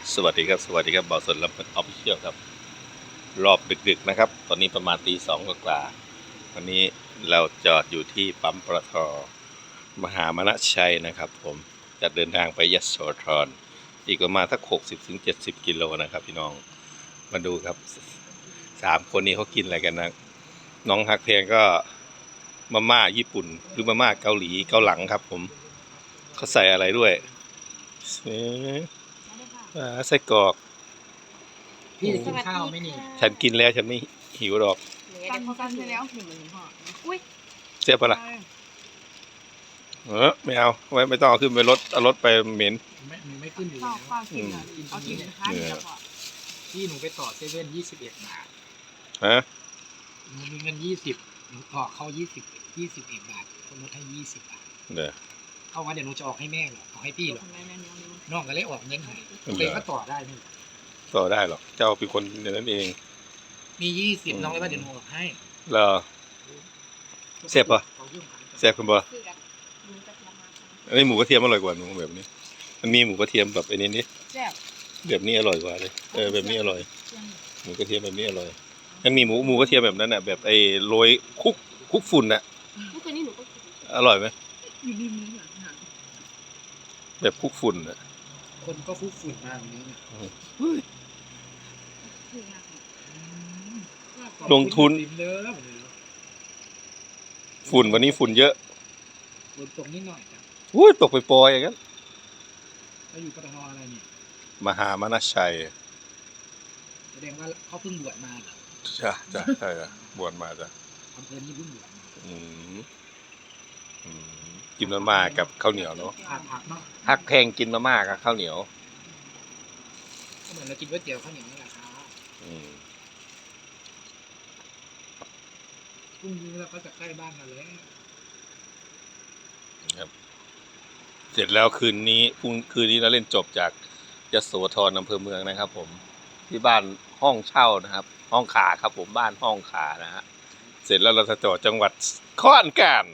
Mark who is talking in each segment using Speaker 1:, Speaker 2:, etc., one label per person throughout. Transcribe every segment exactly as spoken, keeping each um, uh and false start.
Speaker 1: สวัสดีครับสวัสดีครับบ่าวสนรับออฟฟิเชียลครับรอบดึกๆนะครับตอนนี้ประมาณตีสองกว่าวันนี้เราจอดอยู่ที่ปั๊มปตท.มหามนชัยนะครับผมจะเดินทางไปยโสธรอีกประมาณสักหกสิบถึงเจ็ดสิบกิโลนะครับพี่น้องมาดูครับสามคนนี้เขากินอะไรกันนะน้องฮักเพลงก็มาม่าญี่ปุ่นหรือมาม่าเกาหลีเกาหลังครับผมเขาใส่อะไรด้วยไส้กรอก
Speaker 2: พี่จะกินข้าวไหมนี่
Speaker 1: ฉันกินแล้วฉันไม่หิวหรอก
Speaker 3: กันกันไปแล้วหนึ่งหมื่นห่ออุ้ย
Speaker 1: เสียบปะล่ะเออไม่เอาไว้ไม่ต้องเอาขึ้นไปรถเอารถไปเหม็น
Speaker 2: ไม่ไม่ขึ้นอยู่
Speaker 3: ข้า
Speaker 2: แล้ว ว
Speaker 3: ข้าวกินอ่ะเอากินเป็นข้าวเดียวพอ
Speaker 2: พี่หนูไปต่อเซเว่นยี่สิบเอ็ดบาท
Speaker 1: ฮะ
Speaker 2: หนูมีเงินยี่สิบหนูต่อเข้ายี่สิบยี่สิบเอ็ดบาทคนลดให้ยี่สิบบาท
Speaker 1: เด้อ
Speaker 2: เข้ามาเดี๋ยวหนูจะออกให้แม่หรอออกให้พี่หรอน้องก็เลยออกเงินให้เลยก็ต่อได้นี่
Speaker 1: ต่อได้หรอกเจ้าเป็นคนอย่างนั้นเอง
Speaker 2: มียี่สิบน้องเลยว่าเดี๋ยวหนูออกให้
Speaker 1: เหรอเสียบปะเสียบคุณปะอันนี้หมูกระเทียมอร่อยกว่าหนูแบบนี้มันมีหมูกระเทียมแบบไอ้นี้นี่แบบนี้อร่อยกว่าเลยเออแบบนี้อร่อยหมูกระเทียมแบบนี้อร่อยมันมีหมูหมูกระเทียมแบบนั้นน่ะแบบไอ้โรยคุกคุกฝุ่นน่ะอร่อยไหมแบบคุกฝุ่นน่ะ
Speaker 2: คนก็คุกฝุ่นมากนี้
Speaker 1: ลงทุนฝุ่นวันนี้ฝุ่นเยอะ
Speaker 2: ฝนตกนิดหน่อยจ้ะ
Speaker 1: อุ้ยตกไปปอยอย่างนั้น
Speaker 2: เขาอยู่ปตท.อะไรเนี่ย
Speaker 1: มหามนชัย
Speaker 2: แสดงว่าเขาเพิ่งบวชมาเหรอ
Speaker 1: จ้ะจ้ะใช่จ้ะบวชมาจ้ะ
Speaker 2: อำเภอนี้เพิ่งบวชมา
Speaker 1: อืมอืมกินมาม่ากับข้าวเหนียวเนาะ
Speaker 2: ผักผักเนาะ
Speaker 1: ฮักแพงกินมาม่ากับข้าวเหนียว
Speaker 2: ก็เหมือนเรากินก๋วยเตี๋ยวข้าวเหนียวนี่แหละครับ
Speaker 1: อืม
Speaker 2: พรุ่งนี้เราก็จะใกล้บ้านกันแล้ว
Speaker 1: ครับเสร็จแล้วคืนนี้พรุ่งคืนนี้เราเล่นจบจากยโสธรอำเภอเมืองนะครับผมที่บ้านห้องเช่านะครับห้องขาครับผมบ้านห้องขานะฮะเสร็จแล้วเราจะจอดจังหวัดขอนแก่น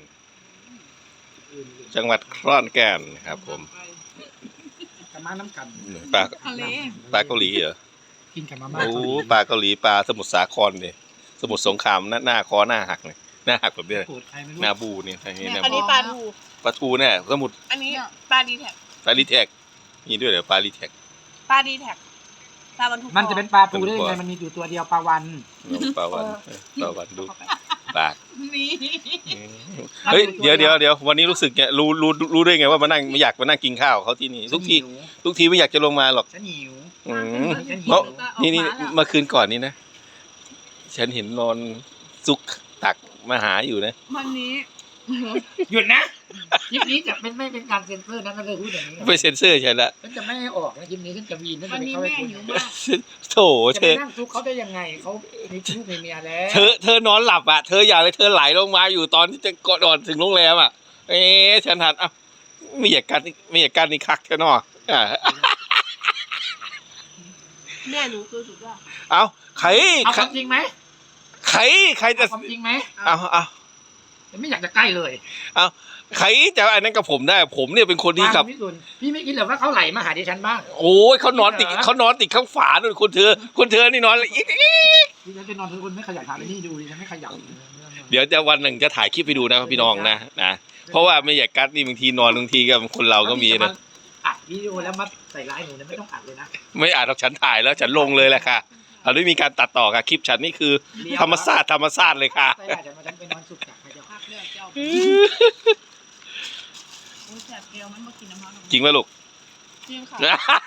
Speaker 1: จังหวัดขอนแก่นครับผม
Speaker 2: กะมาน้ำกัน
Speaker 1: ปลาปลาเกาหลีเหรอ
Speaker 2: กินกับมาม่า
Speaker 1: โอ้ปลาเกาหลีปลาสมุทรสาครเลยสมุทรสงครามหน้าหน้าคอหน้าหักเลยหน้าหักแบบนี้หน้าบูนี่อัน
Speaker 3: นี้ปลาทู
Speaker 1: ปลาทูเนี่ยสมุทร
Speaker 3: อันนี้ปลาดีแท็ก
Speaker 1: ปลาดีแท็กมีด้วยเหรอปลาดีแท็ก
Speaker 3: ปลาดีแท็กปลาวันทู
Speaker 2: มันจะเป็นปลาทูได้ยังไงมันมีอยู่ตัวเดียวปลาวัน
Speaker 1: ปลาวันปลาวันดูปาก
Speaker 3: มี
Speaker 1: เฮ้ยเดี๋ยวเดี๋ยวเดี๋ยววันนี้รู้สึกเนี่ยรู้รู้รู้ได้ไงว่ามานั่งไม่อยากมานั่งกินข้าวเขาที่นี่ทุกทีทุกทีไม่อยากจะลงมาหรอก
Speaker 2: ฉันหิว
Speaker 1: อืมเพราะนี่นี่เมื่อคืนก่อนนี้นะฉันเห็นนอนซุกตักมาหาอยู่นะ
Speaker 3: วันนี้
Speaker 2: หยุดนะคลิปนี้จะเป็นไม่เป็นการเซ็นเซอร์นะก็เลยพูดอย่างนี้
Speaker 1: ไม่เซ็นเซอร์ใช่ละ
Speaker 2: ฉันจะไม่ให้ออกนะคลิปนี้ฉันจะวีนฉันจะไปเข้าไปคุย
Speaker 1: โถเธอ
Speaker 2: นั่งซุกเขาได้ยังไงเขามีลูกมีเมียแล้ว
Speaker 1: เธอเธอนอนหลับอ่ะเธออยากเลยเธอไหลลงมาอยู่ตอนที่จะกอดอ่อนถึงโรงแรมอ่ะเอ๊ะฉันหันอ่ะไม่อยากกันไม่อยากกันนี่คักแค่นอ
Speaker 3: แม่หนูคือสุดยอด
Speaker 1: เอาใคร
Speaker 2: เอาความจริงไหม
Speaker 1: ใครใครจะ
Speaker 2: ความจริงไหม
Speaker 1: เอาเอา
Speaker 2: ไม่อยากจะใกล้เลย
Speaker 1: เอาใครจะอันนั้นกับผมได้ผมเนี่ยเป็นคนที่ขับ
Speaker 2: พี่ไม่คิดหรอว่าเขาไหลมาหาดิฉันบ้าง
Speaker 1: โอ้ยเขานอนติดเขานอนติดข้างฝาด้วยคนเธอคนเธอนี่นอนอีก
Speaker 2: ดิฉันเป็นนอนทุกคนไม่ขยันทำนี่ดูดิฉันไม่ขยัน
Speaker 1: เดี๋ยวจะวันหนึ่งจะถ่ายคลิปไปดูนะพี่น้องนะนะเพราะว่าไม่อยากกัดนี่บางทีนอนบางทีกับคนเราก็มีนะ
Speaker 2: อัดวิดีโอแล้วมาใส่ร้ายหนูเนี่ยไม่ต้องอัดเลยนะ
Speaker 1: ไม่อัดหรอกฉันถ่ายแล้วฉันลงเลยแหละค่ะเราไม่มีการตัดต่อค่ะคลิปฉันนี่คือธรรมชาติธรรมชาติเลยค่ะ
Speaker 2: ใช่จะมาฉันไปนอนสุกจากพยาภาคเลือดเจ้า
Speaker 1: จริงไหมลูก
Speaker 3: จริงค่ะ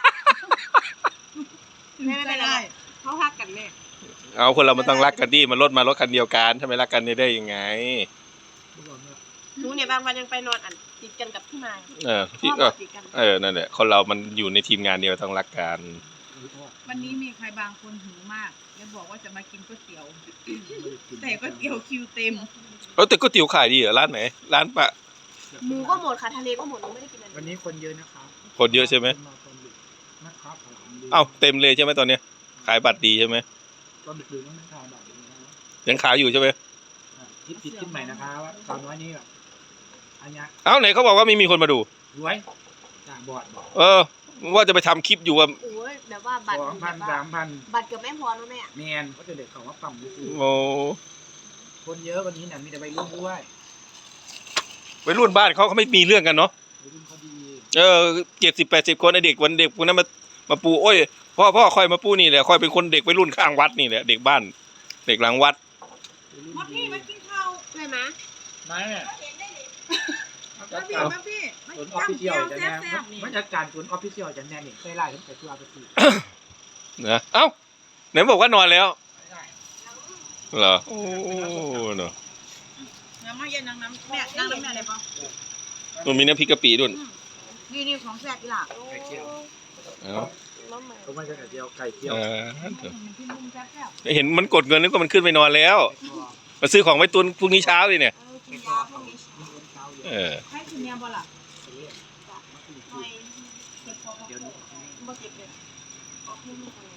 Speaker 3: ไม่ไม่ได้เขาพักกันเลย
Speaker 1: เอาคนเรามันต้องรักกันดิมันรถมารถคันเดียวกันถ้าไม่รักกันได้ยังไง
Speaker 3: หนูเนี่ยบางวันยังไปนอนอันติดกันกับพี่นาย
Speaker 1: เออพี่ก็เออนั่นแหละคนเรามันอยู่ในทีมงานเดียวต้องรักกัน
Speaker 3: วันนี้มีใครบางคนหิวมากแล้วบอกว่าจะมากินก๋วยเตี๋ยวแต่ก๋วยเตี๋ยวคิวเต็ม
Speaker 1: เออแต่ก๋วยเตี๋ยวขายดีเหรอร้านไหนร้านปะ
Speaker 3: หมูก็หมดค่ะทะเลก็หมดเราไม่ได้กินอะไร
Speaker 2: วันนี้คนเยอะนะครับ
Speaker 1: คนเยอะใช่ไหมเอ้าเต็มเลยใช่ไหมตอนนี้ขายบัตรดีใช่ไหม
Speaker 2: ตอนดึกๆต้องขายบัตร
Speaker 1: ยังขายอยู่ใช่ไหม
Speaker 2: คิดผิดคิดใหม่นะครับว่าตอนน้อยนี้แบบอันนี้
Speaker 1: เอ้าไหนเขาบอกว่าไม่มีคนมาดู
Speaker 2: รวยจากบอดบอก
Speaker 1: เออว่าจะไปทำคลิปอยู่ว่า
Speaker 3: โอ้ยแบ
Speaker 4: แบบว่าบัตร
Speaker 2: สองพันสามพัน
Speaker 4: บัตรเกือบไม่พอแล้วแม่
Speaker 2: แมนเขาจะเด็กเขาว่าปั๊มดูสิ
Speaker 1: โอ้
Speaker 2: คนเยอะวันนี้น่ะมีแต่วัยรุ่นด้วย
Speaker 1: วัยรุ่นบ้านเขาเขาไม่มีเรื่องกันเนาะ
Speaker 2: วัยรุ่นเขาดี
Speaker 1: เออเจ็ดสิบแปดสิบคนไอเด็กวันเด็กพวกนั้นมามาปูโอ้ยพ่อพ่อคอยมาปูนี่แหละคอยเป็นคนเด็กวัยรุ่นข้างวัดนี่แหละเด็กบ้าน เด็กหลังวัด
Speaker 2: วัยรุ่น
Speaker 3: มา
Speaker 2: ดี
Speaker 3: พี่มากินข้าว
Speaker 4: ใช่ไหม
Speaker 2: มาเนี่ย
Speaker 3: มาพี่มาพี่มา
Speaker 2: ศูนย์ออฟ
Speaker 3: จำ
Speaker 2: ฟิเชีย
Speaker 3: เจี
Speaker 2: ล
Speaker 3: ยว
Speaker 2: จะ
Speaker 3: แซ่
Speaker 2: แน่
Speaker 3: บๆนี่
Speaker 2: มันจะการศูนย์ออฟฟิเชียลจะแน่เนี่ยเคยไล่ตั้งแต่ตัวไปสี่
Speaker 1: นะเอ้าไหนบอกว่านอนแล้วเหรอโอ้เนาะ
Speaker 3: น้ำมาเย็นน้ำน้ำแม่นั่งน้ำแม่เลยปะ
Speaker 1: มันมีน้ำพริกกะปิด้วย
Speaker 3: นี่นี่ของแซ่บอีหล่ะ
Speaker 2: ไก่เจียว
Speaker 1: เอ้า
Speaker 4: น้องใหม่
Speaker 2: เขาไม่ใช่ไก่เจียวไก่เจียว
Speaker 1: เออ
Speaker 3: พี่มุมแซ่บ
Speaker 1: เห็นมันกดเงินนึกว่ามันขึ้นไปนอนแล้ว
Speaker 2: ไก่ทอด
Speaker 1: มาซื้อของไว้ตุนพรุ่งนี้เช้าเลยเนี่ย
Speaker 4: เออกินยาพวกนี้
Speaker 2: มีคนเช้าเย
Speaker 1: เอ
Speaker 2: อะ
Speaker 1: อ
Speaker 3: ๆให้คุณเมียบ่ล่ะ
Speaker 4: หน่อย
Speaker 3: เก็บพอ
Speaker 2: เดี๋ยวนี้ออกให้
Speaker 4: บ่เจ็บเลยออกให้ลูกเลย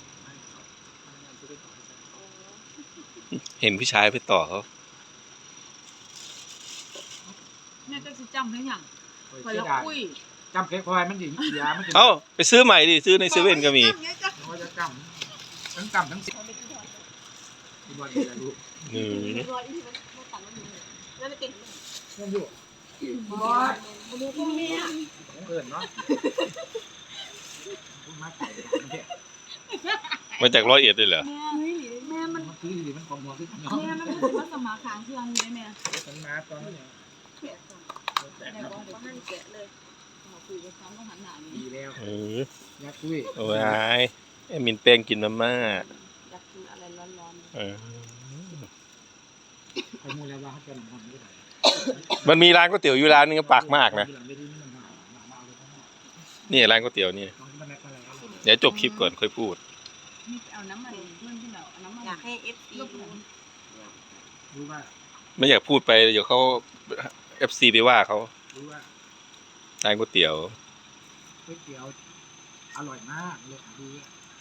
Speaker 1: เห็นผู้ชายไปต่อเขา
Speaker 3: แม่จะสิจำได้ยัง
Speaker 2: เฮ้ย
Speaker 3: คอย
Speaker 2: เสีย
Speaker 3: ละ
Speaker 2: ดาย
Speaker 3: คุย
Speaker 2: จำเค้กพลอยมันถึงยามันถึง
Speaker 1: เอ้าไปซื้อใหม่ดิซื้อในเซเว่นก็มี
Speaker 2: เขาจะจำทั้งจำทั้งสิบที่บอลจะรู้
Speaker 1: อืม
Speaker 4: รอยที่มันมันตัดมันอยู่แล้วไปเก่งเลย
Speaker 2: นั่นอยู่
Speaker 4: บอสมาดูพ่อแม่
Speaker 2: ของเอิญเนาะพูดมากไปเนี่ย
Speaker 1: มาจากร้อยเอ็ดเลยเหรอ
Speaker 3: แม่แม่มัน
Speaker 2: มันคือมันของหัวคือเนาะ
Speaker 3: แม่มันรู้สึกว่าสมาขางเครื่องอยู่ได้แม่
Speaker 2: มันมาตอนนี้
Speaker 4: แกะก่อน
Speaker 2: แต่
Speaker 3: แต่
Speaker 2: เนาะ
Speaker 3: ก็เดี๋ยว
Speaker 4: ว่ามันแกะเลย
Speaker 3: มาคุยกับเขาก็หันหน้านี่
Speaker 2: ดีแล้ว
Speaker 1: เออ
Speaker 2: ยักษ์คุย
Speaker 1: โอ้ยไอ้มินแป้งกินมาม่า
Speaker 4: อยากกินอะไรร้อน
Speaker 1: เออ
Speaker 2: ไปมูแล้วว่าเขาจะหนังหอมไม่ได้
Speaker 1: มันมีร้านก๋วยเตี๋ยวอยู่ร้านนึงก็ปากมากนะ
Speaker 2: ไม่ได้นี่มันหนาหนาเอาเลยทั้งหมด
Speaker 1: นี่ร้านก๋วยเตี๋ยวนี่
Speaker 2: ตอนที่มันนัดอะไรกัน
Speaker 1: เดี๋ยวจบคลิปก่อนค่อยพูด
Speaker 3: นี่เอาน้ำมันเพื่อนที่เราเอาน้ำมัน
Speaker 4: ๆอยากให้เอฟซี
Speaker 3: ลูก
Speaker 4: ดู
Speaker 3: หลาน
Speaker 2: รู้ว่า
Speaker 1: ไม่อยากพูดไปเดี๋ยวเขาเอฟซีไปว่าเขา
Speaker 2: รู้ว่า
Speaker 1: ร้านก๋วยเตี๋ยว
Speaker 2: ก๋วยเตี๋ยวอร่อยมากเลยค่ะดี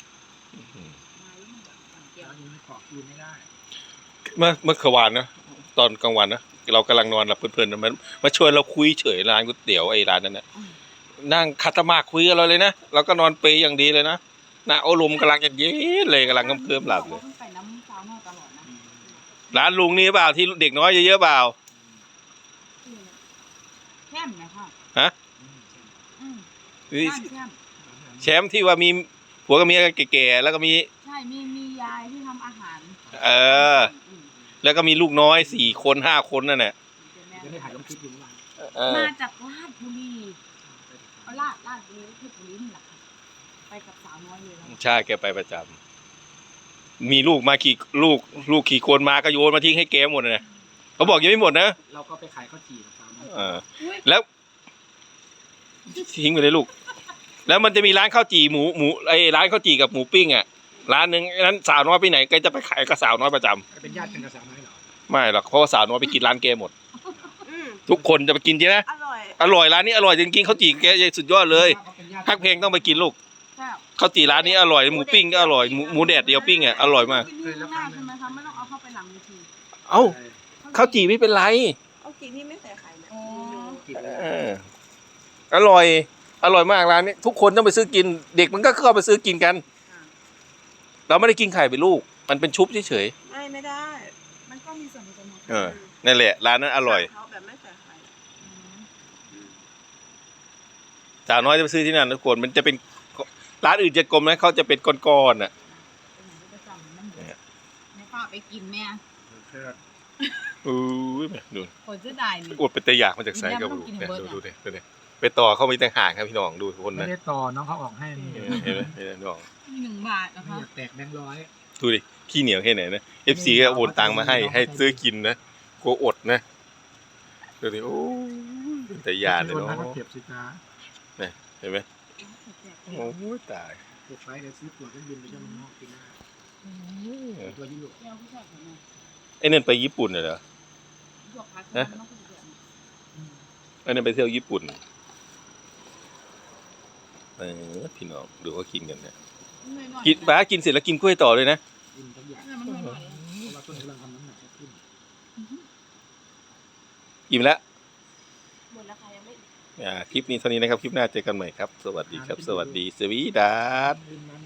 Speaker 2: เดี๋ยวนี้เกาะคืนไม่ได้
Speaker 1: เมื่อเมื่อวานนะตอนกลางวันนะเรากำลังนอนหลับเพลินๆนะมันมาชวนเราคุยเฉยร้านก๋วยเตี๋ยวไอ้ร้านนั้นนะนั่งคัตมาคุยกับเราเลยนะเราก็นอนเปยอย่างดีเลยนะน่าอารมณ์กำลังจะเย็นเลยกำลังเคลิ้มๆหลับเลย
Speaker 3: ไปน้ำสาวน้อยตลอดนะ
Speaker 1: ร้านลุงนี่เปล่าที่เด็กน้อยเยอะๆเปล่า
Speaker 3: แช่มนะคะ
Speaker 1: ฮะ
Speaker 3: อืม
Speaker 1: นี่
Speaker 3: บ้านแช่ม
Speaker 1: แชมป์ที่ว่ามีผัวกับเมียแก่ๆแล้วก็มี
Speaker 3: ใช่มีมียายที่ทำอาหาร
Speaker 1: เออ แล้วก็มีลูกน้อยสี่คนห้าคนนั่นแหละ
Speaker 2: จะได้ถ่ายลงคลิปอยู่เมื่อวาน
Speaker 1: เออ
Speaker 3: มาจากลาดบุรีเอาลาดลาดบุรีเพชรบุรีนี่แหละค่ะไปกับสาวน้อยเลยแล้ว
Speaker 1: ใช่แกไปประจำมีลูกมากี่ลูกลูกกี่คนมาก็โยนมาทิ้งให้แกหมดเลยเขาบอกยังไม่หมดนะ
Speaker 2: เราก็ไปขายข้าวจี่กับเขานะ
Speaker 1: เออแล้วทิ้งไปเลยลูก แล้วมันจะมีร้านข้าวจี่หมูหมูไอ้ร้านข้าวจี่กับหมูปิ้งอ่ะร้านหนึ่งนั้นสาวน้อยไปไหนแกจะไปขายกับสาวน้อยประจำ
Speaker 2: เป็นญาติกันกับสาวน้อยเหรอ
Speaker 1: ไม่หรอกเพราะว่าสาวน้อยไปกินร้านแกหมด
Speaker 4: อืม
Speaker 1: ทุกคนจะไปกินใช่ไหม
Speaker 4: อร่อย
Speaker 1: อร่อยร้านนี้อร่อยจริงๆข้าวจี่แกสุดยอดเลย
Speaker 2: ขาป็นญาติ
Speaker 1: พักเพลงต้องไปกินลูก
Speaker 3: ใช่
Speaker 1: ข้าวจี่ร้านนี้อร่อยหมูปิ้งก็อร่อยหมูหมูแดดเดียวปิ้งอ่ะอร่อยมาก
Speaker 3: กินที่ข้างหน้าใช่ไหมคะไม่ต้องเอาเข้าไปหลังเวที
Speaker 1: เอ้าข้าวจี่ไม่เป็นไร
Speaker 4: เอาจริงที่ไม่ใส่ไข่นะ
Speaker 3: อ๋อ
Speaker 2: กิน
Speaker 1: เอออร่อย อร่อยมากร้านนี้ทุกคนต้องไปซื้อกิน เด็กมันก็เข้าไปซื้อกินกัน เราไม่ได้กินไข่เป็นลูก มันเป็นชุบเฉย
Speaker 4: ไม่ไม่ได้
Speaker 3: มันก็มีส่วนผสมของ
Speaker 1: ๆเออนั่นแหละร้านนั้นอร่อย
Speaker 4: เขาแบบไม่ใส่ไข่
Speaker 1: สาวน้อยจะไปซื้อที่นั่นทุกคนมันจะเป็นร้านอื่นจะกลมนะเขาจะเป็นก้อนๆอ่ะ
Speaker 3: ประจำนั่นเองในป้าไปกินแม่
Speaker 1: อู้ยดู
Speaker 3: คนจะได้นี่
Speaker 1: อวดเป็นตะอยากมาจากไซก็ดูเนี่ยดูดูเนี่ยดูเนี่ยไปต่อเขามีแต่ห่างครับพี่น้องดูทุกคน
Speaker 2: ไม่
Speaker 1: นะ
Speaker 2: ได้ต่อน้องเขาออกให้นี่
Speaker 1: เห็นไหมเห็นไหมน้อง
Speaker 3: มีหนึ่งบาทนะ
Speaker 2: ไม่
Speaker 3: คะ
Speaker 2: อยากแตกแบงค์ร้อย
Speaker 1: ดูดิขี้เหนียวแค่ไหนนะเอฟซีก็โอนตังมาให้ให้ซื้อกินนะกลัวอดนะดูดิโอ้ยเป็นตะยานเลย
Speaker 2: โด
Speaker 1: เนาะ
Speaker 2: ก็เก็บสิจ้า
Speaker 1: เห็นไหมโอ้ยตาย
Speaker 2: เก็บไว้เดี๋ยวซื้อตั๋วเครื่องบินไปเที่ยวเมืองนอกปีหน้าตัวยุโรป
Speaker 3: แก้วผู้ชายคนนั้น
Speaker 1: ไอ้นั่นไปญี่ปุ่นเหรอ
Speaker 3: หยกพักมันต้องคุยกัน
Speaker 1: ไอ้นั่นไปเที่ยวญี่ปุ่นเออพี่น้องดูเขากินกันเนี่ยกินป้ากินเสร็จแล้วกินกล้วยต่อเลยนะ
Speaker 2: กินทุกอย่าง
Speaker 3: มันหน่อย
Speaker 2: เพราะว่าต้นกำลังทำน้ำหนักขึ้น
Speaker 1: อิ่มแล้ว
Speaker 4: หมดแล้วค่ะยังไม่
Speaker 1: อ่าคลิปนี้เท่านี้นะครับ คลิปหน้าเจอกันใหม่ครับ สวัสดีครับ สวัสดี สวีดัส
Speaker 2: ลืมน้ำ